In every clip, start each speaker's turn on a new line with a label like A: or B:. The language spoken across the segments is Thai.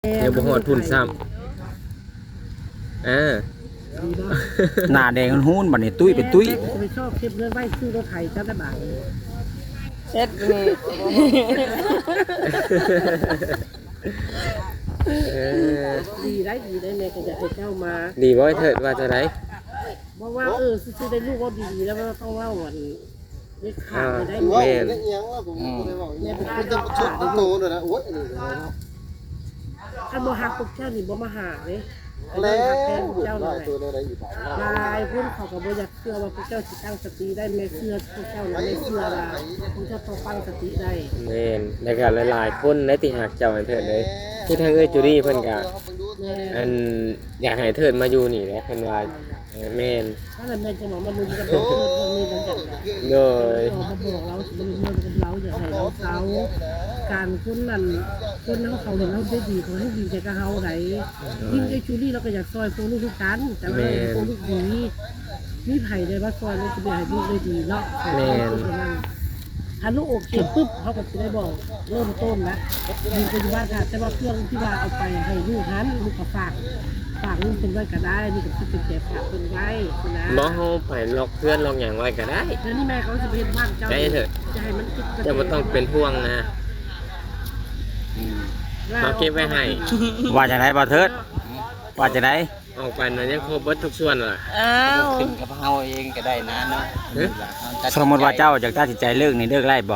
A: เดี๋ยวบ่ฮอดพุ่นซ้ำ
B: หน้าแดงหุ้นบัดนี้ตุ้ยเป็นตุ้ย
C: ไปชอบเก็บเงินไว้ซื้อรถไถจ้าได้บาท
D: เช็ดนี่
C: ดีได้แม่ก็จะให้เจ้ามา
A: ดีบ่เถิดว่าจะได้
C: ว่าซื้อได้ลูกว่าดีแล้วก็ต้องว่าวันเด็กขาดได้
A: แม่น
C: แม่เป็นคนจะชุดโตเลยนะโอ๊ยถ้าบ่ฮักพวกเจ้านี่บ่มาหาเลยแล้วเจ้าเลยลายพุ่นเขาก็บ่อยากเชื่อว่าพวกเจ้าสิตั้งสติได้แม่เชื่อพวกเจ้าไม่เชื่อว่าพวกเจ้าต้องตั้งสติได้
A: แม่นแล้วก็หลายๆคนได้ที่หักเจ้าให้เถิดเลยคือทางจูดี้เพิ่นก็อันอยากให้เถิดมาอยู่นี่แหละเพิ่นว่าแม่น
C: ถ้าแม่จะบอกมาดูกันเถิดมีกันจัง
A: โดย
C: มาบอกเราสิบ่รู้กันเราอยากให้เราการคนนั้นคนเขาเราได้ดีเขาให้ดีใจกับเฮาไหนยิ่งไอ้จูดี้เราก็อยากซอยพวกลูกทุกกันแต่ว่าพวกลูกดีมีไผ่ได้ว่าซอยเราจะไปให้ลูกได้ดีเนาะถ้าลูกโอเคปุ๊บเขาก็จะได้บอกเริ่มต้นนะมีปัจจุบันค่ะแต่ว่าเครื่องที่ว่าเอาไปให้ลูกนั้นลูกก็ฝากลูกเป็นไว้ก็ได้นี่ก็คือเป็นแก่ฝากเป็นไว้นะ
A: บ่เฮาไปล็อกเพื่อนล็อกหยังไว้ก็ได้
C: แล้วนี่แม่เขาจะเป็นบ้านเจ้า
A: ได้เถิด
C: จะให้มันคิด
A: จะบ่ต้องเป็นห่วงนะมาเก็บไว้ให้
B: ว่าจะได้บ่เถิดว่าจะได้
A: ออกไปน่ะยังครบเบิดทุกส่วนล่ะ
D: ขึ้นกับเฮาเองก็ได้นะเนาะ
B: สมมติว่าเจ้าอยากตัดสินใจเลิกนี่เลิกได้บ่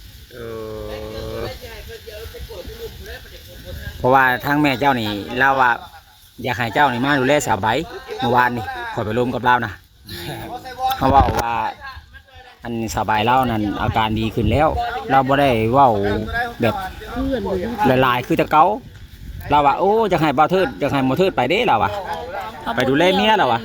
B: เพราะว่าทางแม่เจ้านี่เล่าว่าอยากให้เจ้านี่มาดูแลสาวใบเมื่อวานนี่ขอไปร่วมกับเรานะเขาบอกว่าอันสาวใบเล่านั้นอาการดีขึ้นแล้วเราบ่ได้เว้าแบบหลายๆคือแต่เก่าเราว่าโอ้จะให้บ่าวเทิดจะให้บ่าวเทิดไปเด้เราว่ะไปดูแลเมียเราว่ะ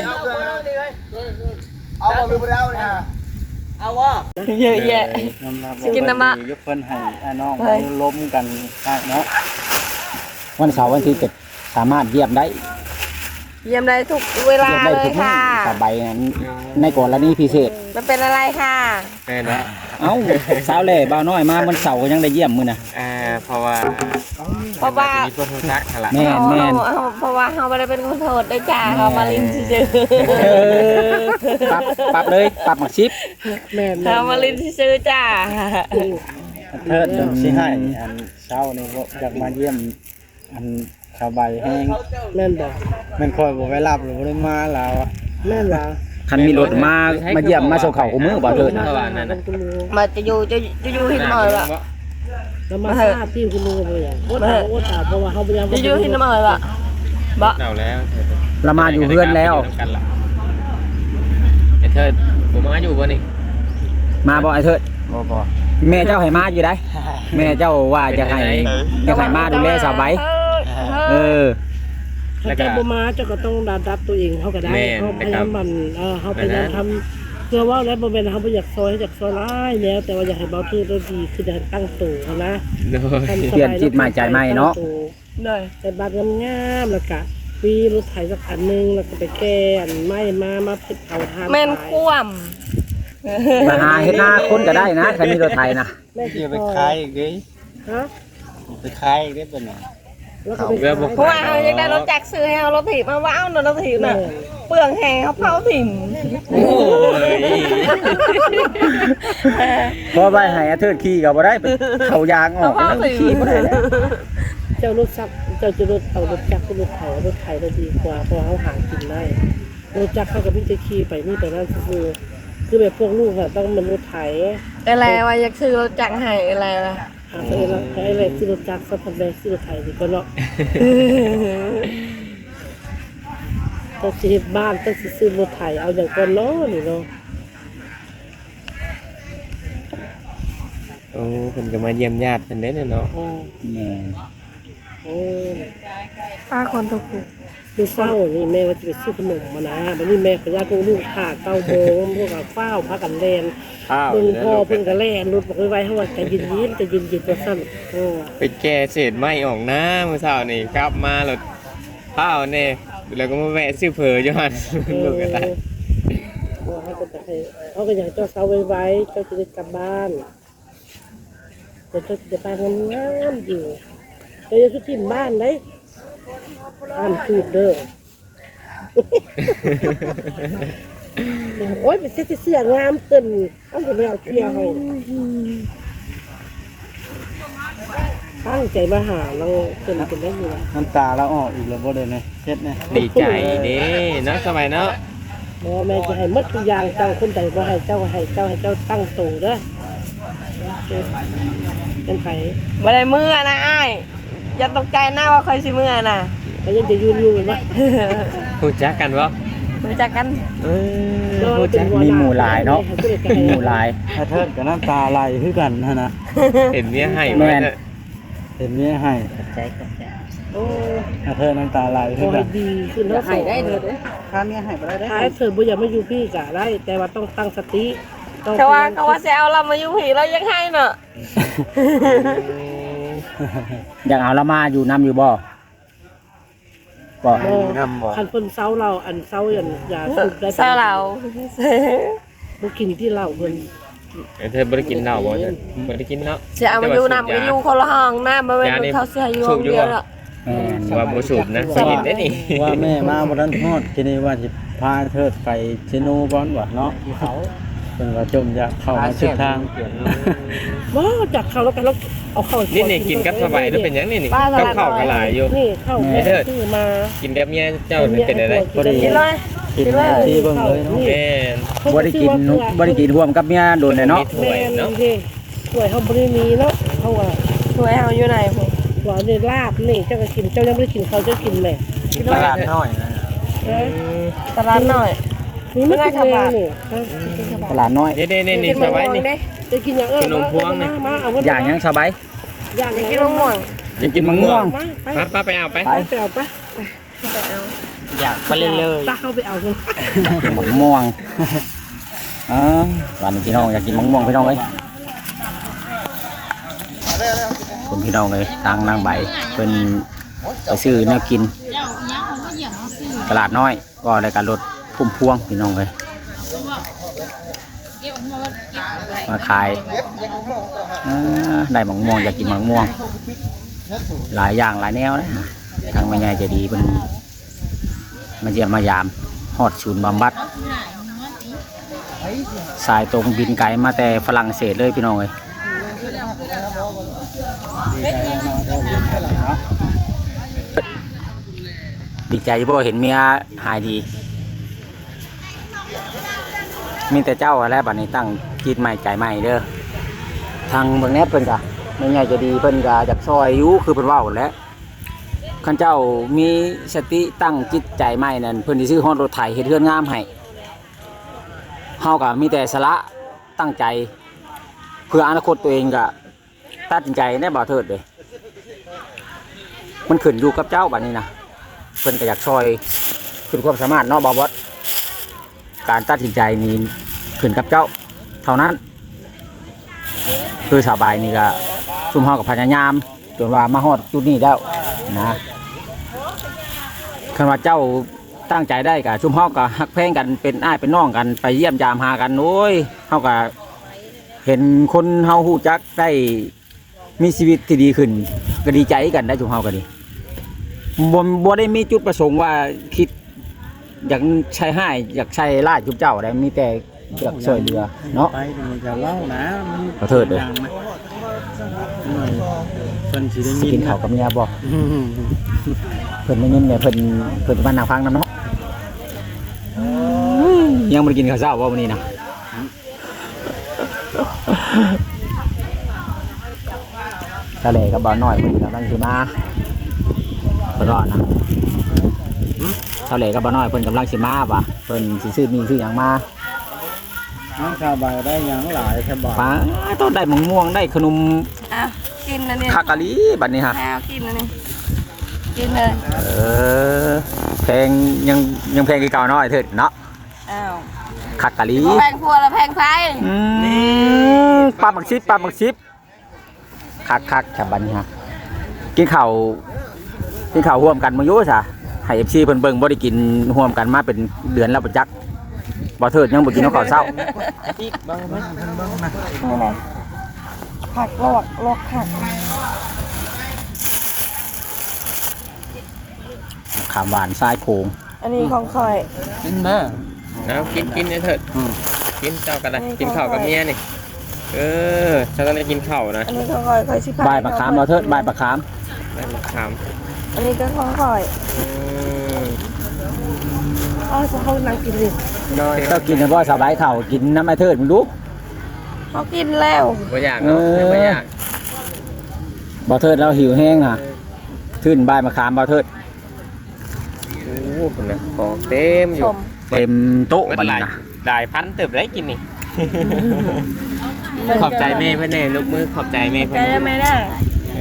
D: เอาบ่ลืมแล้วเนี่ยเอาว่าเยอะแยะกินน้ำมะ
B: ยกเพิ่นให้น้องล้มกันเนาะวันเสาร์วันที่7สามารถเยี่ยมได้
D: ทุกเวลาเลยค่ะ
B: สบายในกรณีพิเศษ
D: มันเป็นอะไรค่ะ
A: แม่นนะ
B: เอ้าสาวเล่บ่าวน้อยมาวันเสาร์ก็ยังได้เยี่ยมมื้อน่ะ
A: เพราะว่ามีคนรู้จักหั่นล่ะ
B: แม่น
D: เพราะว่าเฮาบ่ได้เป็นคนโทษได้จ้าเฮามาลิ้นซื่อ
B: ปรับเลยปรับหมักชิป
C: แม่
D: เฮามาลิ้นซื่อจ้า
B: เทิดสิให้อันเช้านี่บ่อยากมาเยี่ยมอันสบายแห้ง
C: แม่นบ่
B: แม่นคอยบ่ไปรับหรือบ่ได้มาแล้ว
C: แม่นว่า
B: คันมีรถมาเยี่ยมมาส่งข้าวกูมื้อบ่เถิดนะ
D: มาจะอยู่หินหน่อยล่ะ
C: แล้วมาทราบที่คุณลุงบ่อย่างโอ้ตาเพราะว่าเฮาบ่ยัง
D: จะอยู่หินหน่อยล่ะบ่
A: เอาแล้ว
B: เรามาอยู่เฮือนแล้ว
A: ไอ้เถิดบ่มาอยู่บ่นี่
B: มาบ่ไอ้เถิดบ่แม่เจ้าให้มาอยู่ได้แม่เจ้าว่าจะให้มาดูแลสาวใบ
C: แล้วก็บ่มาเจ้าก็ต้องรับตัวเองเขาก็ได้เขาพยายามมันเขาพยายามทำเพื่อว่าแล้วบ่แม่นเขาบ่อยากซอยร้ายแล้วแต่ว่าอยากให้เบาทื่อได้ดีคือได้ตั้งตัวนะ
B: เปลี่ยนจิตใหม่ใจใหม่เนาะ
C: แต่บางงามๆแล้วก็มีรถไถสักคันนึงแล้วก็ไปแก้อันไม้มาเฮ็ดเอาทาน
D: แม่นคว่
B: ำมาหาเฮ็ดหน้าคนก็ได้นะคันมีรถไถนะ
D: อย่าไปขายอีกเด้ไปขายอีกได้เป็นเพราะว่าเขาอยากได้รถจักรซื้อให้เอารถถีบมาว้าวรถถีบน่ะเปลืองแห้งเขาเผาถิ่ม
B: พอไปให้เทิดขี่ก็บ่ได้เขายางออกแล้วขี่บ่ได้แล้ว
C: เจ้ารถซักเจ้าจะรถเอารถจักรรถเขารถไถได้ดีกว่าเพราะเขาหากินได้รถจักรเขาก็พี่จะขี่ไปนี่ไปนั่นคือแบบพวกลูกอะต้องมันรถไถ
D: อะไรวะอยากซื้อรถจักรให้อะไรล่ะ
C: อะไรซื้อรถจักรสักพันแรกซื้อรถไถดีก็เนาะต้องซื้อบ้านต้องซื้อรถไถเอาอย่างก่อนเนาะนี่เนาะ
A: โอ้เพิ่นก็มาเยี่ยมญาติเพิ่นเด้เนาะ
D: ป้าคนทุกข์
C: ดูเฝ้านี่แม่ว่าจะไปซื้อขนมมานะบัดนี้แม่ขยันพวกลูกขาดเต้าโบงพวกกับเฝ้าพักกันแลนเพิ่งพ่อเพิ่งกันแลนรถบอกไว้ให้ว่าใจเย็นตัวสั้น
A: ไปแก้เศษไม้ออกนะเมื่อเช้านี่กลับมาแล้วเฝ้าเนี่ยแล้วก็มาแวะซื้อเผออยู่หั่นลูกก็ได้
C: เขาก็อยากเจ้าเสาไว้เจ้าจะได้กลับบ้านแต่เจ้าจะไปงามอยู่แต่จะสุทิมบ้านได้อ่านสูตรเด้อ โอ้ยเป็นเสื้องามเต้นเอาไปแล้วเที่ยวให้ตั้งใจมาหาเราเต้นได้อยู่ล่ะ
D: น้ำตาเราออกอีกแล้วบ่ได้เนี่ยเฮ็ดเนี่ย
A: ดีใจเด้เนาะสบายเนาะ
C: แม่จะให้หมดทุกอย่างเจ้าคนใดบ่ให้เจ้าตั้งโตเด้อเป็นไผ
E: บ่ได้มือนะอ้ายอย่าตกใจนะว่าเคยสิมือนะ
C: ก็ยังจะยืนอยู่เห็นบ่
A: รู้จักกันบ่
E: รู้จักกัน
A: รู้จัก
B: มีหมู่หลายเนาะมีหมู่หลาย
D: ถ้าเทิดกับน้ำตาไหลคือกันนะ
A: เห็นเมียให้
B: แม่
A: แม่
B: น
D: เห็นนี้ให้
C: โอ้
D: ถ้าเทิดน้ำตาไหล
C: ข
D: คือ อ
C: ให้
D: กัน
C: ดีขึ้นเนาะ
E: ให้ได้เด้อ
D: ค่าเมียให้บ่ได้
C: ถ้าเธอบ่อยากมาอยู่พี่ก็ได้ แต่ว่าต้องตั้งสติต้อง
E: เขาว่าสิเอาเรามาอยู่ผีเรายังให้เนาะ
B: อยากเอาละมาอยู่นํอยู่บ่บ่
C: คันเพิ่นเซาเราอันเซาอย่าสูบได้
E: เศร้าเรา
C: บ่กินที่เหล้าเพิ่น
A: เธอบ่ได้กินเหล้าบ่เธอบ่ได้กินเนาะ
E: สิเอามาอยู่นำก็อยู่คนละห้องนะบ่แม่นเขาสิให้อยู่ห้องเดียวหรอก
B: แม่น
A: ว่าบ่สูบนะบ่กินได้นี่
D: ว่าแม่มาบ่ทันฮอดทีนี้ว่าสิพาเทิดไปเชโนก่อนว่าเนาะเขาเพิ่นว่าจมอยากเข้ามาสุดทาง
C: บ่จักเข้าแล้วกันแล้วเอาเข้า
A: นี่กินกับสบายหรือเป็นหยังนี่กับข้าวก็หลายอยู่
C: นี่เข้า
A: เด้อ
C: ซื้อมา
A: กินแบบเมียเจ้านี่เป็นอะไร
D: บ่ได้
E: กินเลย
D: กินที่เบิ่งเลยเนาะ
A: แม่น
B: บ่ได้กินร่วมกับเมียโดนเลยเนาะ
A: ถ้วยเนาะ
C: แม่ถ้วยเฮาบ่ได้มีเนาะเฮาว่า
E: สวยเฮาอยู่ไหนพุ่น
C: ว่าได้ลาบนี่เจ้าก็กินเจ้ายังบ่ได้กินเขาเจ้ากินแม่
D: ตลาดน้อยนะ
E: ตลาดน้อย
C: นี่ไม่กินเลยนี่
B: ตลาดน้อย
A: นี่สบายนี่
C: จะกินอย่างมาเอา
B: อย่างยังสบาย
C: อย่าง
E: กินมะม่วง
A: จะกินมะม่วง
C: มา
A: ป้าไปเอาไป
C: ไปเอาไป
D: อยากไปเลย
C: ตาเข้าไปเอาเลย
B: กินมะม่วงวันนี้พี่น้องอยากกินมะม่วงพี่น้องเอ้ยคุณพี่น้องเลยทางนางใบเป็นไปซื้อแนวกิน ตลาดน้อยก็ได้การรถพุ่มพวงพี่น้องเลยมาขายได้มะม่วงอยากกินมะม่วง หลายอย่างหลายแนวนะทางแม่ใหญ่ใจะดีเป็นมาเยี่ยมมายามฮอดศูนย์บำบัดสายตรงบินไกลมาแต่ฝรั่งเศสเลยพี่น้องเลยดีใจเพราะเห็นเมียหายดี มีแต่เจ้าอะไรบัดนี้ตั้งจิตใหม่ใจใหม่เด้อทางเมืองแนบเพิ่นกะไม่ใหญ่จะดีเพิ่นกะจากซอยอยู่คือเพิ่นว่าหมดแล้วขันเจ้ามีสติตั้งจิตใจใหม่นั่นเพิ่นสิซื้อฮอดรถไถเฮ็ดเรือนงามให้เฮาก็มีแต่สละตั้งใจเพื่ออนาคตตัวเองก็ตัดสินใจได้บ่เถิดเด้มันขึ้นอยู่กับเจ้าบัดนี้นะเพิ่นก็อยากซอยขึ้นความสามารถเนาะบ่บ่การตัดสินใจนี่ขึ้นกับเจ้าเท่านั้นคือสบายนี่ก็ซุ่มเฮากับพยายามจนว่ามาฮอดจุดนี้แล้วนะคันว่าเจ้าตั้งใจได้กับซุ่มเฮาก็ฮักแพงกันเป็นอ้ายเป็นน้องกันไปเยี่ยมยามหากันโอ้ยเฮาก็เห็นคนเฮาฮู้จักได้มีชีวิตที่ดีขึ้นก็ดีใจกันได้ซุ่มเฮาก็ดีบ่ได้มีจุดประสงค์ว่าคิดอยากใช้ให้อยากใช้ล่าจุบเจ้าได้มีแต่อยากช่วยเหลือเนาะ
D: ไปมันจะเล่านะ
B: ขอโทษด้วย
D: เพิ่นสิได้
B: สิ
D: ยิ
B: กิ
D: น
B: นข้าวกับเมียบ่เพิ่นได้ยินเนี่ยเพิ่นมานั่งฟังนำเนาะยังบ่ได้กินข้าวเช้าบ่มื้อนี้นะทะเลกับบ่าวน้อยเพิ่นกำลังสิมาเพิ่นรอนะทะเลกับบ่าวน้อยเพิ่นกำลังสิมาว่ะเพิ่นสิซื้อมีซื้อหยังมา
D: น้องชาวบ้านได้หยังหลายชาวบ้าน
B: ป้าต้องได้มะม่วงได้ขนม
E: อ้าวกินนะนี่
B: คากะลีบัดนี้ฮะ
E: อ้าวกินนะนี่กินเลย
B: แพงยังแพงกี่เก่าน้อยเถิดเนาะ
E: อ้าว
B: คากะลี
E: แพงพัวแล้วแพงไฟ
B: ปลาหมักชิปคักแถบบัดนี้ฮะกินข้าวร่วมกันมาอยู่ซะให้ FC เพิ่นเบิ่งบ่ได้กินร่วมกันมาเป็นเดือนแล้วบ่จักบ่เถิดยังบ่กินข้าวเช้า
D: อีกบางมั้ยเพิ่นเบิ่งนะ
E: นี่แหละผักลวกผัก
B: ขามหวานทรายโพง
E: อันนี้ของคอย
D: กินมา
A: เอากินเนี่ยเถิด
B: อืม
A: กินเจ้ากันเลยกินข้าวกับเมียนี่ฉันต้องได้กินข้าวนะ
E: อันนี้ของคอยคอยชิพาย
B: ใบมะขามเราเทิดใบมะขาม
A: ได้มาถาม
E: อันนี้ก็ของคอย
C: อ๋อจะเขานั่งกินเลย
A: โดย
B: เจ้ากินแต่ว่าสบายเข่ากินน้ำไอเทิดมึงดู
E: เขากินแล้ว
A: บ่อยากเนาะบ่อยาก
B: บ่เทิดเราหิวแห้งอ่ะทื่นใบมะขามบ่เทิด
A: โอ้โหคนนะของเต็มอ
E: ช
A: ยู่
E: ม
B: เต็มโต๊ะ
A: เป็น
B: บัด
A: หลา
B: นี้
A: ย
B: นะ
A: หลายพันเติบได้กินนี่ ขอบใจแม่เพื่อนแน่ลูกมือขอบใจแม่เพื่อน
E: ใจได้ไหมน่ะ
A: เอ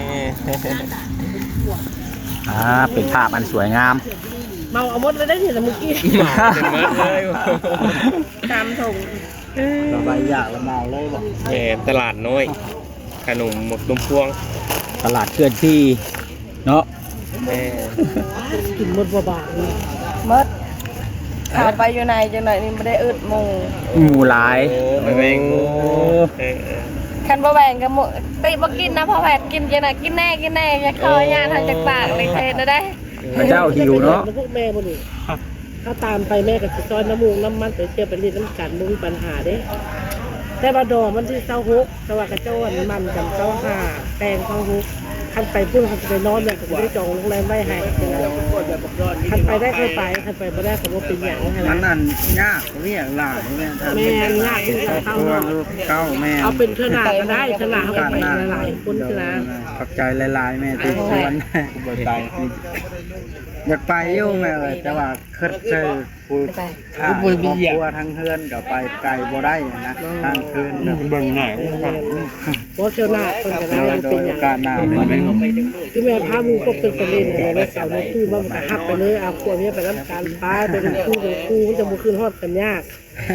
A: อ
B: เป็นภาพอันสวยงาม
C: เมาเอาหมดเลยได้ทีละเมื่อกี้
A: หมาเป็นเมิดเลย
E: ตามถุง
D: สบายอยากละเมาเลยบ่
A: แหมตลาดน้อยขนมหมกตุมพวง
B: ตลาดเคลื่อนที่เนาะ
A: แม่
C: กินหมดบ่บาทเลย
E: มดเข้าไปอยู่ในจังไหนนี่ไม่ได้อึดหมู
B: หมู่หลาย
A: โอ้ไปแมง
E: คันบ่แบ่งกับหมูติบ่กินนะพ่อแพทย์กินจังไหนกินแน่อย่าคอยาทางจากปากเลยเทนะได้
B: พระเจ้าหิวเนาะ
C: พวกแม่บ่นี่ถ้าตามไปแม่ก็สิซอยน้ำมูกน้ำมันไปเที่ยวไปเล่นน้ำกันบ่มีปัญหาเด้แต่ว่าดอกมันที่26แต่ว่ากระโจนมันกัน25แตง26คันไปพุ่นคันไปนอนเนี่ยก็บ่ได้จองโรงแรมไว้ให้คันไปได้เคยไปคันไปบ่ได้ก็บ่เป็นหยังให้
D: มั
C: นะ
D: นนั่นยากเรียกหลานแม่
C: แม่นยากที่จะเข้าเนาะ
D: เก้าแม่
C: เอาเป็นเท่าหน้าก็ได้เท่าหน้าเขาก็ไปหลายๆคนเท่านะ
D: ขอบใจหลายๆแม่ที่ชวนบ่ใจอยากไปอยู่แม่เลยแต่ว่าคิดเจอผู้ทางครอบครัวทั้งเฮือนก็ไปไกลบ่ได้นะทางคืนเบิ่งหน้า
C: เพราะเท่าหน้าคนก็ได้ยังเป็นอย่าง
D: การหน้ามัน
C: ที่แม่พามูก็เป็นประเด็นเลยแล้วสาวน้ตู้มันก็หักไปเลยเอาขวดนี้ไปน้ำการป้าเป็นคู่มันจะมาคืนฮอดกันยาก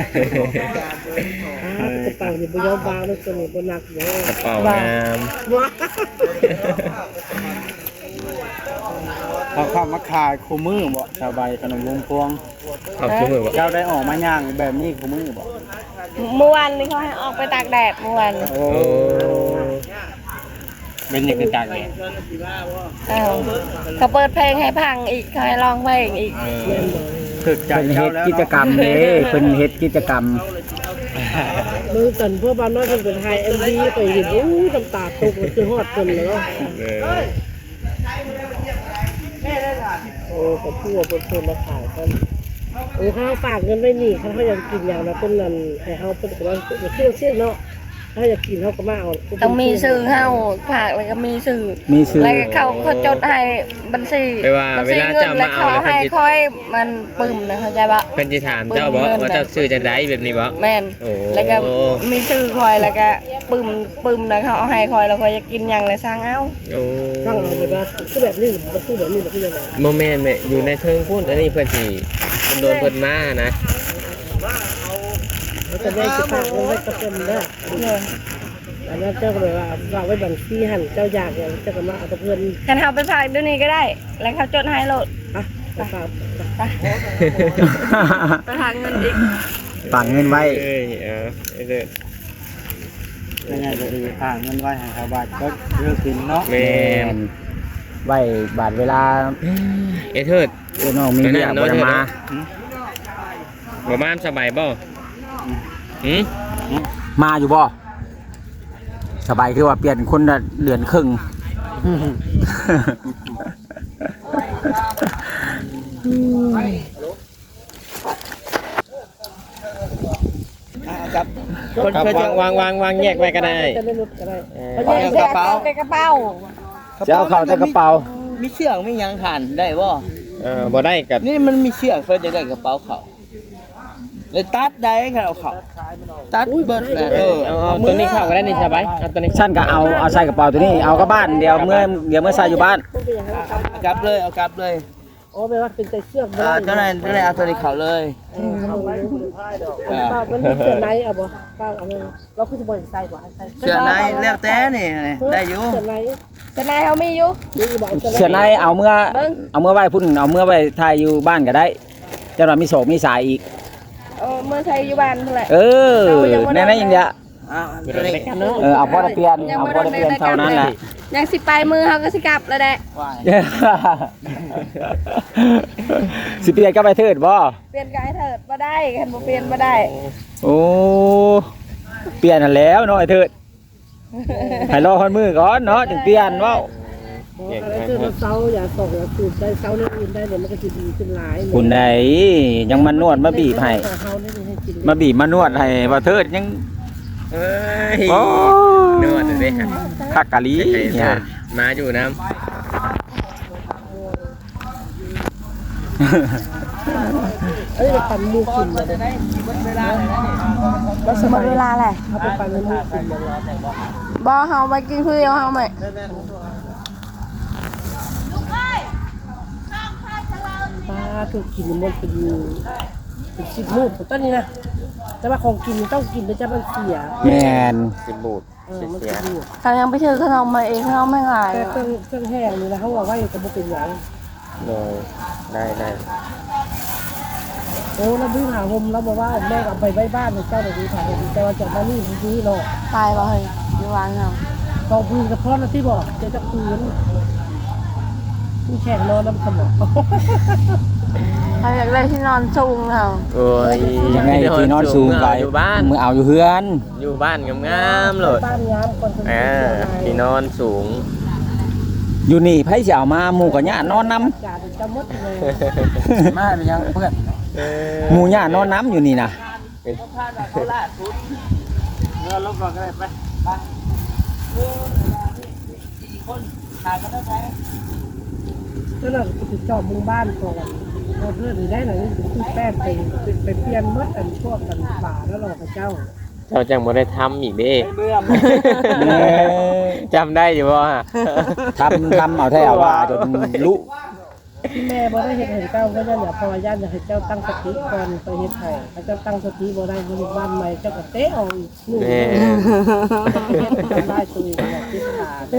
C: กระเป๋านี่บ่ยอมวางเลยตัวนี้บ่หนักเนาะ
A: กระเป๋างาม
C: ว้า
D: เขาเข้ามาขายคู่มือบ่ชาวใบขนมวงพวง
A: ขอบคุณมือ
D: เจ้าได้ออกมาย่างแบบนี้คู่มือบ่
E: เมื่อวานนี้เขาให้ออกไปตากแดดเมื่อวาน
A: โอ้เป็นอย่างกระจายเลย
E: อ้าวเขาเปิดเพลงให้พังอีกเขาให้ร้องเพลงอีก
D: ถึกใจ
B: เพิ่น
D: เจ้า
B: เฮ็ด
D: แล้ว
B: กิจกรรมเด้เพิ่นเฮ็ดกิจกรรม
C: มือกันพวกบ้านน้อยเพิ่นเป็นไทย MV ไปเห็นอู้น้ำตาตกมันคือฮอดเพิ่นเลยเนาะโอ้ก็พูดว่าเพิ่นมาขายกันโอ้ข้าวฝากเงินไว้นี่เขาอยากกินอย่างละต้นนั้นให้เฮาเพิ่นก็ว่าเครื่องเส้นเนาะถ้าอยากกินเฮาก็มาเอา
E: ต้องมีสื่อเฮาฝากแล้วก็มีสื่อ
B: มีชื่อ
E: แล้วก็เขาจดให้บัญชี
A: ไปว่า
E: บัญ
A: เว
E: ชี
A: ลา
E: เงิ
A: เจ้าน
E: แล้
A: มาว เอา
E: เขา
A: แล้ว
E: ให้ค่อยมันปึ้มนะเข้าใจปะ
A: เพิ่นสิถามเจ้าบ่ว่าเจ้าซื้อจังได๋แบบนี้บ่
E: แม่น
A: โอ้
E: แล้วก็มีสื่อคอยแล้วก็ปึ้มนะเขาเอาให้คอยแล้วคอยจะกินหยังเลยสร้างเอา
A: โอ้
C: ตั้งเอาไปว่าคือแบบนี้มันคือแบบนี้มันคือยังไง
A: โมแม่นแม่อยู่ในเทิงพุ่นอันนี้เพิ่นสิมันโดนเพิ่นมานะ
C: แล้วจะได้จะฝากเงินไว้กับเพิ่นเด้อ
E: เนี่ย
C: อันนั้นเจ้าก็เลยว่าฝากไว้บัญชีหั่นเจ้าอยากอย่างเจ้าก็มาเอากับเพิ่น
E: กันเขาไปฝากเดี๋ยวนี้ก็ได้ แล้วเขาจดให้โลด
C: อ่ะไปฝาก
E: ไปฝากเงินอีก
B: ฝากเงินไว้
A: เอ้ยไอ้เด้อ
D: ยังไงก็ดีทางเงินไว้ให้ชาวบ้านก็เลือกกินเนาะ
A: แม่น
B: ไว้บาดเวลา
A: ไอ้เทิด
B: น้องมีเรียกบ่ได้มา
A: บ่มานสบายบ่หืม
B: มาอยู่บ่สบายคือว่าเปลี่ยนคนละเดือนครึ่ง
D: ครับ
A: วางแยกไว้ก็ได้
C: จะได้ลดก็ได้
E: เอาแยกกระเป๋าในกระเป๋า
B: จะเอาเข้าใส่กระเป๋า
D: มีเชือกมีหยังขันได้บ่
A: บ่ได้กับ
D: นี่มันมีเชือกเพื่อจะได้กระเป๋าเขาเลยตัดได้ค่ะเอาเขาตัดเบิดแหละ
A: เอาตัวนี้เข้าก็ได้นี่สบายเอาตัวนี้
B: ฉันก็เอาใส่กระเป๋าตัวนี้เอากลับบ้านเดี๋ยวเมื่อใส่อยู่บ้าน
D: กลับเลยเอากลับเลย
C: อ๋อแปลว่าเป็นใจเชือก
D: เจ้าไหนเอาตัวนี้เขาเลย
C: ป้ามันมีเสื้อในเอาบ่ป้าเอาเลยเราคือจะบ่ใส่บ่ใส่
D: เชือกไหนแล้วแต่นี่ได้อยู่
C: เสื้อใน
E: จะนายเขามีอยู่
C: นี่บ่
B: เสื้อในเอาเมื่อไว้พุ่นเอาเมื่อไว้ถ่ายอยู่บ้านก็ได้เจ้าหน้ามีโศกมีสายอีก
E: เมื่อใช้อยู่บ้านเท่าไหร่
B: เออแน่ๆอย่างเดียวเอาพอได้เปลี่ยนเอาพอได้เปลี่ยนเท่านั้นแหละ
E: ยังสิไปมือเขาก็สิกลับแล้วแหละ
B: สิเปลี่ยนก็ไปเถิดบ่
E: เปลี่ยนกายเถิดบ่ได้คันบ่เปลี่ยนบ่ได้
B: โอ้เปลี่ยนนั่นแล้วเนาะไอ้เถิดให้รอคนมือก่อนเนาะจึงเปลี่ยนเว้า
C: อะไรคือเราเซาอย่าตกอย่าสูดได้เซาเรื่องอื่นได้เดี๋ยวมันก็จะดีขึ้นหลาย
B: คุณใดยังมานวดมาบีบให้
C: เฮาเนี่ยให้กิน
B: มาบีบมานวดให้บ่เถิดยัง
A: เอ้ย
B: โอ้
A: นวดเลยฮะ
B: คักกะลีเนี่ย
A: มาอยู่น้
C: เอ้ยปั่นมูกินเลย
E: บ่สมเวลาแหละ
C: เอาไปปั่นมูกินเลย
E: บ่เฮาไปกินคือเดียวเฮาแม่
C: ป้าถูกกินมันเป็น10 มื้อต้นนี้นะแต่ว่าของกินต้องกินแล้วจะมันเสีย
B: แม่น
A: ำสิบูด
C: มัน
A: เสี
C: จะ
A: ย
C: ดู
E: ถ้ายังไปถือขนมมาเองขนมไม่หาย
C: แต่เครื่องแห้งนี่นะเขาว่าไว้ก็บ่เป็นหยัง
A: เลยได้
C: โอ้แล้วบื้อหาห่มแล้วบอกว่าแม่เอาไปไว้บ้านเจ้าเดี๋ยวนี้ถ่ายแต่ว่าจากมานี่นี้เนาะ
E: ตายบ่เฮ้ยอยู่วางเฮา
C: กองพื้นกระเพาะนะที่บอกจะพื้นผู้แข่งนอนน้ำสมอง
E: เขาอยากได้ที่นอนสูงเฮา
A: โอ้ย
B: ยังไงที่นอนสูงไป
A: อยู่บ้าน
B: มือเอาอยู่เฮือน
A: อยู่บ้านงามๆเลย
C: บ้านงามคน
A: ที่นอนสูง
B: อยู่นี่ไผสิเอามาหมู่กับญาตินอนนำ
C: กาดจะมดเลย
D: มาเป็นยังเพื่อน
B: หมู่ญาตินอนนำอยู่นี่นะ
D: เรือลบก่อนก็ได้ไป
C: แล้วเราติดจอบมุงบ้านก่อนเราเพื่อนได้หน่อยคือแป้งไปเปลี่ยนมดอันพวกกันป่าแล้วเราพระเจ้า
A: เจ้าจังบ่ได้ทำอีกเด้
D: เบื่อ
A: จำได้อยู่บ่ฮะ
B: ทำเอาแท้เอาว่าจนลุ
C: ที่แม่บ่ได้เห็นเจ้าก็ได้เนี่ยพอญาติอยากให้เจ้าตั้งสติก่อนไปเฮ็ดไห้ถ้าเจ้าตั้งสติบ่ได้ก็อยู่บ้านใหม่เจ้าก็เตะเอาอีกนู่น
A: แม่
C: ได้ตัวเองเนี่ยคิดขาด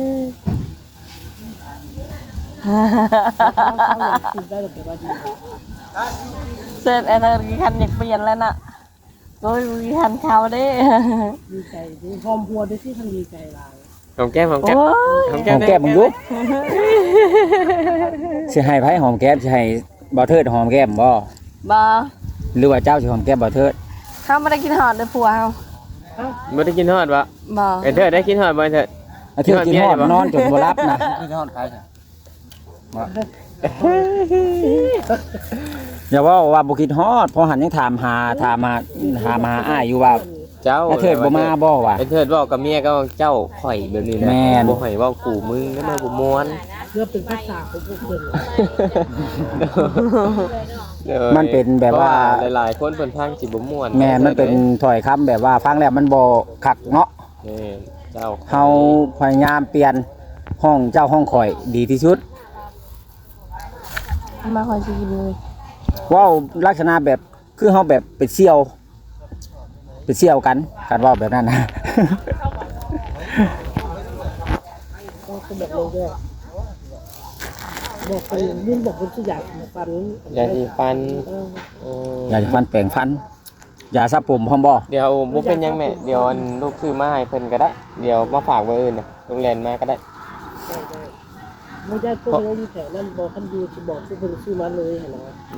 C: คิดได้แต่ว่าดี
E: เสร็จไอ้เธอคันอยากเปลี่ยนแล้วน่ะโอ้ยมีคันเขาเด้
C: ดีใจดีหอมพัวได้ที่ทันดีใจหลาย
A: หอมแก้มหอมแก้ม
E: โอ้ย
A: หอม
B: ห
A: แก้
B: อ
A: ม
B: มแก้มมึงลุสิให้ไผหอมแก้มสิให้บ่เทิดหอมแก้มบ่
E: บ่
B: หรือว่าเจ้าสิหอมแก้มบ่เทิด
E: เขาไม่ได้กินหอดเลยผัวเขา
A: บ่ได้กินฮอดบ่
E: บ่
A: ไอ้เธอได้กินฮอดบ่ไอ้เธอ
B: ไอ้เทิดกินฮอดนอนจนบ่รับนะ
D: คือทอดใครค่ะ
B: อย่าว่าบ่คิดฮอดเพอหันยังถามหาอ้ายอยู่ว่า
A: เจ้า
B: ไอ้เทิดบ่มาบ่วะ
A: ไอ้เทิดบอกกับเมียก็เจ้าข่อยแบบนี้นะ
B: แม่น
A: บ่ข่อยเว้ากูมึงแล้วมาบ่ม่วน
C: เพื่อเป็นภาษาของพวกเพิ่น
B: มันเป็นแบบว่า
A: เพระหลายๆคนเพิ่นพังสิบ่ม่วน
B: แม่นมันเป็นถ้อยคำแบบว่าฟังแล้วมันบ่คักเนาะ
A: แม่นเจ้า
B: เฮาพยายามเปลี่ยนห้องเจ้าห้องข่อยดีที่สุด
E: มาคอยสิกินเลย
B: เว้าลักษณะแบบคือเฮาแบบเป็นเสี่ยวกันการเว้าแบบนั้นนะ
C: ก็คือแบบเราด้วยบอกคนยื่นบอกคนที่อยากฟัน
A: ยาสีฟัน
B: อย่าฟันแปลงฟัน อย่าสระผมพร้อมบ่
A: เดี๋ยวบ่เป็นหยังแม่เดี๋ยวอันลูกซื้อมาให้เพิ่นก็ได้เดี๋ยวมาฝากไว้อื่นน่ะโรงแรมมาก็ได้
C: ไม่ได้พวกนี้อยู่แถวนั้นบอกคันดูจะบอกที่เพิ่นซื้อมาเลยเห็นไหม
A: เลย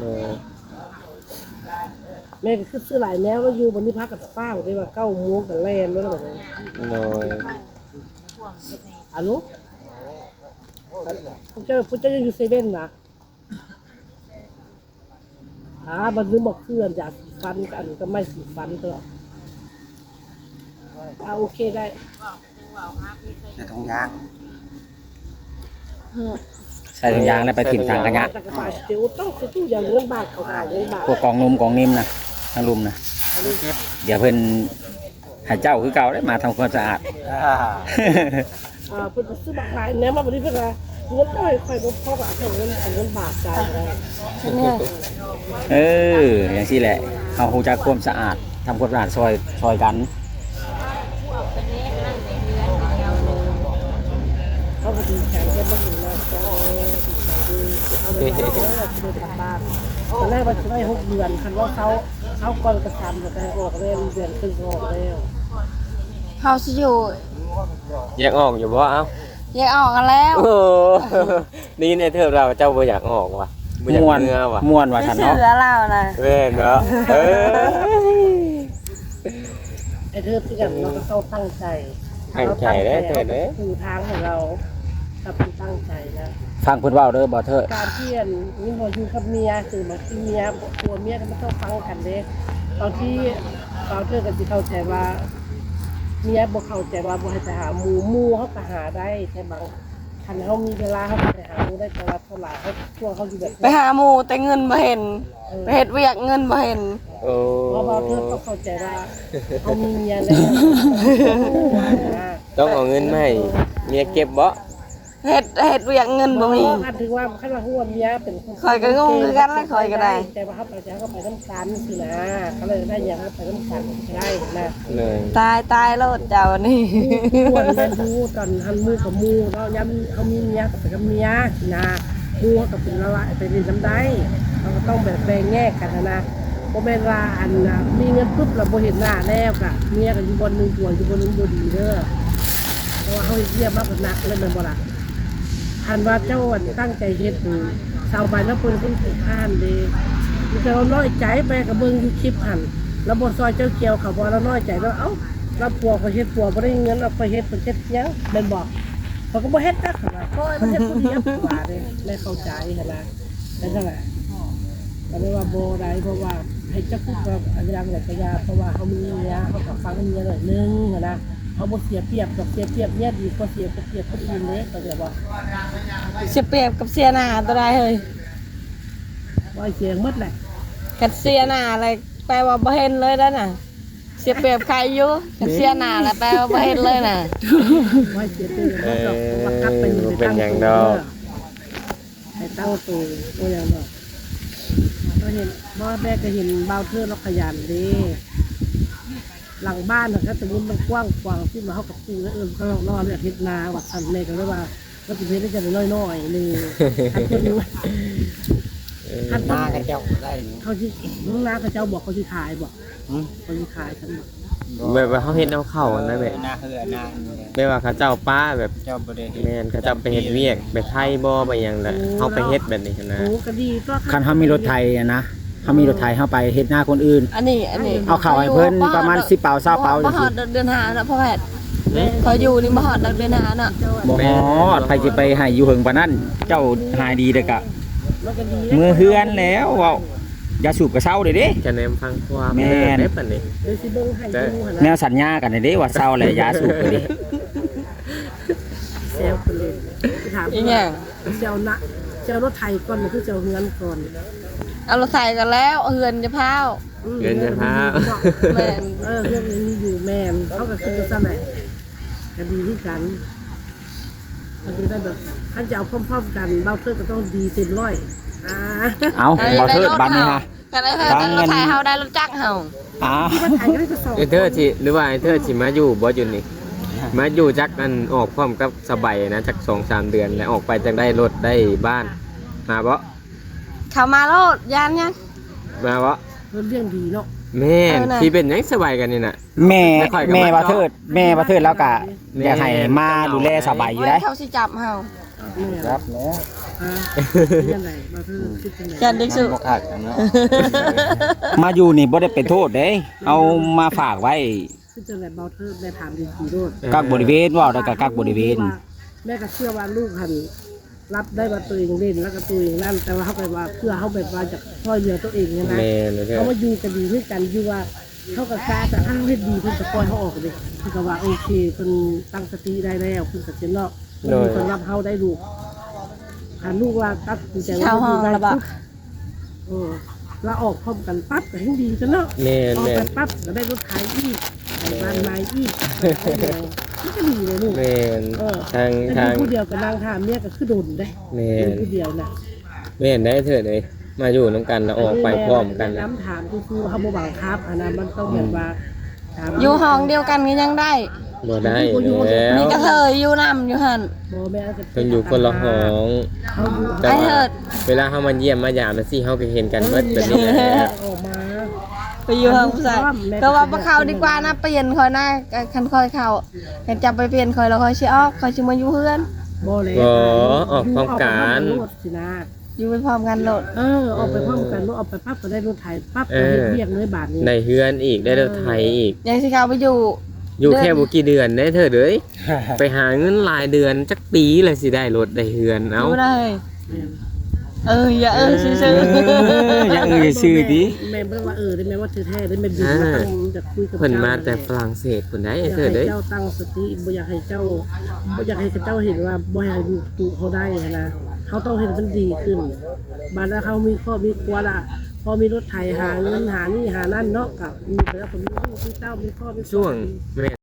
C: แม่ก็คือซื้อหลายแนวแล้วอยู่บนนี้พักกับป้าได้ว่า9 โมงกับแลนแล้วแบบนี้
A: เลย
C: ฮัลโหลผู้เจ้าอยู่เซเว่นนะบันนึกบอกเพื่อนอยากสีฟันกันก็ไม่สีฟันตลอดโอเคได้
D: ในทงยาง
B: ใส่ถุงยางแล้วไปถิ่มทางขยะ
C: แต่กระต่ายเดี๋ยวต้องซื้อตู้อย่างเงินบาทเขาขายเงินบาท
B: พวกกองนมกองนิ่มนะทางลุมนะเดี๋ยวเพิ่นให้เจ้าคือเก่าได้มาทำความสะอาด
C: เพิ่นซื้อบักขายแนวมาบริเวณเงินได้ค่อยบ่พอกับเงินบาทจ่ายอะไร
E: เนี่ย
B: เอออย่างที่แหละเอาฮู้จักความสะอาดทำความสะอาดซอยกัน
C: เขาก็ดีใจกันบ่ถึงแล้วก็เอาเงินมาเอากลับบ้านตอนแรกว่าจะได้6 เดือนคันว่าเขาก่อนกระทำก็ได้ออกแล้วเดือนครึ่งออกแล้ว
E: เฮาสิอยู่
A: อยากออกอยู่บ่เอ้า
E: แยกออกกันแล้ว
A: โอ้นี่ในเทอมเราเจ้าบ่อยากออกว่ะบ่อยาก
B: ม่วน
A: เมื่อว่ะ
B: ม่วนว่า
E: ไม่
B: ซั่น
E: เชื่
B: เนาะ
E: อเรานะ
A: แม่นเนาะ
C: ไอ้เธอที่กันเราก็ต้องตั้งใจ
A: ตั้งใจเด้อเถิดเด้อ
C: คือทางของเราถ้าเป็นตั้งใจนะ
B: ฟังเพิ่นเว้าเด้อบ่เถิด
C: การเที่ยนนี่พออยู่กับเมียสื่อมาที่เมียตัวเมียก็ไม่ต้องฟังกันเด้บางที่เราเธอกันที่เข้าใจว่าเมียบ่เข้าใจว่าบ่ให้ไปหาหมู่เขาก็หาได้แต่บางคันเขามีเวลาเขาไปหาหมู่ได้แต่ว่าเท่าไหร่เขาช่วงเขาอยู่แบบ
E: ไปหาหมู่แต่เงินบ่เห็นไปเฮ็ดเวียกเงินบ่เห็น
A: โอ้
C: เพราะว่าเธอต้องเข้าใจว่าเขามีเมียแล้ว
A: ต้องเอาเงินมาให้เมียเก็บบ่
E: เฮ็ดเวียกเงินบ่มี
C: คันถึงว่าคันว่าหัวเมียเป็นคน
E: ข้อยก็งงคือกันนะข้อยก็ได้
C: แต่ว่าเขาไปจะเขาไปน้ำกันสินะเขาเลยได้อย่างเขาไปน้ำกันได้นะ
A: เลย
E: ตายโลดเจ้านี่
C: ควรเรียนรู้ตอนทันมูกับมูเราย้ำเขามีเมียกับไปกับเมียนะมูกับเป็นละลายไปเรียนจำได้เราก็ต้องแบบแบ่งแยกกันนะโมเมนว่าอันมีเงินปุ๊บเราโบเห็นหน้าแล้วกะเมียกับอยู่บนหนึ่งตัวอยู่บนหนึ่งบดีเด้อเพราะว่าเขาเยี่ยมมากกว่านักเลยมันบ่ละอันว่าเจ้าตั้งใจเฮ็ดชาวบ้านแล้วเพิ่นคนขี้ข้านดีแต่เราน้อยใจไปกับเบิ่งอยู่คลิปหันแล้วบทซอยเจ้าเกี่ยวเขาบอกเราน้อยใจแล้วเอ้าเราปัวเขาเฮ็ดปัวบ่ได้เงินเราไปเฮ็ดเป็นเฮ็ดยังเป็นบอกเขาก็บ่เฮ็ดจักเขาว่าโอ้ยมันเฮ็ดผู้เดียวว่าเด้ไม่เข้าใจหั่นนะนั่นแหละก็เลยว่าบ่ได้เพราะว่าให้เจ้าพูดว่าอันยังแหละก็ยาเพราะว่าเขามีเมียเขาก็ฟังเมียหน่อยนึงหั่นนะเขาบ่เสียเปรียบดอกเสียเปรียบเนี่ยดีกว่าเสียเปรียบคนอื่นเด้ก็เดี๋ยวว่า
E: เสียเปรียบกับเสียหน้าตัวใดเฮ้ย
C: ว่าเสียงหมดแหละ
E: กันเสียหน้าอะไรแปลว่าบ่เห็นเลยแล้วน่ะเสียเปรียบใครอยู่กันเสียหน้าแล้วแปลว่าบ่เห็นเลยน่ะ
C: ว่าเสียเปรียบหมดดอกว่ากลับไปอยู่ใน
A: เป็น
C: ตั้ง
A: อย่าง
C: ตั
A: ด
C: ว
A: อก
C: ให้ตั้งตัวอย่างดอกก็เห็นว่าแม่ก็เห็นเบาเทือเราขยันดีหลังบ้านก็สมมติมันกว้างกว้างที่มาเข้ากับปูแล้วเขานอนแบบเฮ็ดนาวัดสันเมก็เลยว่าก็จะเฮ็ดได้จะน้อยๆนึงคันคนนึงคัน
B: หน้ากับเจ้าได้
C: เขาที่ลุงนาเขาเจ้าบอกเขาที่ขายบอกเขาที่ขายฉันบอก
A: แบบว่าเขาเฮ็ดเอาเข้านะแบบ
B: หน้าเฮือหน้า
A: แบบว่าเขาเจ้าป้าแบบ
B: เจ้าบ่ได้
A: แม่นเขาเจ้าไปเฮ็ดเวียกไปไทยบ่ไปหยังน่ะเฮาไปเฮ็ดแบบนี้นะ
C: โอ้ก็ดีก็
B: คันเฮามีรถไถอะนะเฮามีรถไถเฮาไปเฮ็ดหน้าคนอื่น
E: อันนี้
B: เอาเข้าให้เพิ่นประมาณ10เปา20เปา
E: บ่
B: จัง
E: ฮอ
B: ซี่
E: ดเดือนหาน่ะพ่อแพทย์เขาอยู่นี่บ่ฮอดเดือนหาน่ะ
B: บ่ฮอดไผสิไปให้อยู่เฮิงปานนั้นเจ้าหายดีเด้อกะ
C: มันก็ดี
B: มือเฮือนแล้วเว้าอย่าสูบกระเช้าเด้เด้
A: จะแนมฟังความ
B: แม่น
A: ได้ปานนี้
C: เลยสิเบิ่งให้ดูหั่น
B: แน
C: นะ
B: วสัญญากันเด้ว่าเช้าแล้วอย่าสูบกันเด้
C: แซวคนเลยถาม
E: อีหยัง
C: เจ้านะเจ้ารถไทยก่อนหรือเจ้าเฮือนก่อน
E: เอาเราใส่กันแล้วเฮือนจะพาว
A: เงินจะพา
E: แม่น
C: เรื่องนี้อยู่แม่นเขาก็คือซะไหนก็ดีที่กันมันจะได้แบบถ้าจะเอาพร้อมๆกันเบ้าเพื่อก็ต้องดีเต็มร้อย
B: เอาบ่เทิดบัดนี้ฮะ
E: กันได้รถไถเฮาได้รถจักรเฮา
B: อ้าว
C: ที่มันไทยก็ได้กระสอบ
A: ไอ้เธอสิหรือว่าไอ้เธอสิมาอยู่บ่อยู่นี่มาอยู่จักอันออกพร้อมกับสบายนะจัก 2-3 เดือนแล้วออกไปจักได้รถได้บ้านมาบ่
E: เข้ามาโลดยานยัง
A: มาบ่
C: เรื่องดีเนาะ
A: แม่น
E: เออน่ะ
A: ที่เป็นหยังสบายกันนี่น่ะ
B: แม่
A: ไม่ค่อยกับ
B: แม่
A: มัน
B: บ่เทิดแม่บ่เทิดแล้วก็
A: แม่
B: อยากให้มาดูแลสบายอยู่ได้
E: เขาสิจับเฮา
B: ครับแล้ว
C: ยังไงมาคือคิดยังไง
E: จันเด็กสุ
B: บ่คักเนาะมาอยู่นี่บ่ได้เป็นโทษเด้เอามาฝากไว้
C: คิดยังไงเบาเธอได้ถามดีๆด้วย
B: กักบริเวณว่าได้ก็กักบริเวณ
C: แม่ก็เชื่อว่าลูกหันรับได้ว่าตัวเองเล่นแล้วก็ตัวเองนั่นแต่ว่าเขาไปว่าเพื่อเขาแบบว่าจะช่วยเหลือตัวเองเนี่ยนะ
A: แม่นเด้อ
C: เขามาอยู่กันดีด้วยกันอยู่ว่าเขากับกาแต่ถ้าเขาเฮ็ดดีเพิ่นจะปล่อยเขาออกเลยคือก็ว่าโอเคเพิ่นตั้งสติได้แล้วเพิ่นก็สิเนาะเพิ่นมีคนรับเฮาได้ลูกถ้าลูกว่าตัดสินใจ
E: เข้าห้องแล้วบ่
C: เราออกพร้อมกันปั๊บก็ให้ดีกันเนาะ
A: แม่น
C: ออก
A: แม่
C: ไป
A: น
C: ปั๊บก็ได้รถขายอีกไอ้บ้านไม้อีกนี่ก็ดีเลยลูก
A: แม่น
C: เออ
A: ทาง
C: แต่
A: ทาง
C: ดูผู้เดียวกับนางถามเนี่ยก็คือโดนได้
A: แม่
C: ดู
A: น
C: ผู้เดียวนะ
A: แม่นได้เถิดเลยมาอยู่นํกันแล้วออกไปพร้อมกันนะ
C: น้ำถามคือเขาบ่บังคับอันนั้นมันต้องแบบว่าถาม
E: อยู่ห้องเดียวกันก็ยังได้
A: บ่ได้แล้ว
E: มีกระเทยอยู่นำอยู่หั่น
C: บ่แม่ก็
A: เพิ่นอยู่คนละห้อง
C: เขาอยู่
A: แต่
E: ไอ้
A: ว่า
E: เถิด
A: เวลาเฮามาเยี่ยมมายามจังซี่เฮาก็เห็นกันเบิดแบบนี้แหละ
C: ออกมา
E: ไปอยู่ห้องผู้ชายก็ว่าบ่เข้าดีกว่านะเปลี่ยนคอยนะคันคอยเข้าคันจับไปเปลี่ยนคอยแล้วคอยสิออกคอยสิมาอยู่เฮือน
C: บ่เลย
A: บ่ออกพร้อมกัน
C: สินะ
E: อยู่ไปพร้อมกันโลด
C: ออกไปพร้อมกันออกไปปั๊บก็ได้รถไถปั๊บก็เฮ็ดเวียกเลยบาทนี้
A: ได้เฮือนอีกได้รถไถอีก
E: ยังสิเข้าไปอยู่
A: อยู่แค่บ่กี่เดือนได้เถิดเอ้ยไปหาเงินรายเดือนจักปีเลยสิได้รถได้เฮือนเอ้า
E: อยู่ได้อย่าซื่อ
B: อย่าซื่อดิ
C: แม่บ่ว่าได้แม่ว่าแท้ได้แม่บินมาตั้งจะคุยกับ
A: เพิ่นมาแต่ฝรั่งเศสเพิ่นได้เถิดเอ้ย
C: เจ้าตั้งสติบ่อยากให้เจ้าเห็นว่าบ่ให้อยู่ตู่เขาได้นะเขาต้องเห็นมันดีขึ้นบาดแล้วเขามีข้อมีครัวละพอมีรถไถหาเงินหานี่หานั่นเนาะกับมีแล้วผมมีลูกมีเต้ามีพ่อมี
A: ช่วงแม่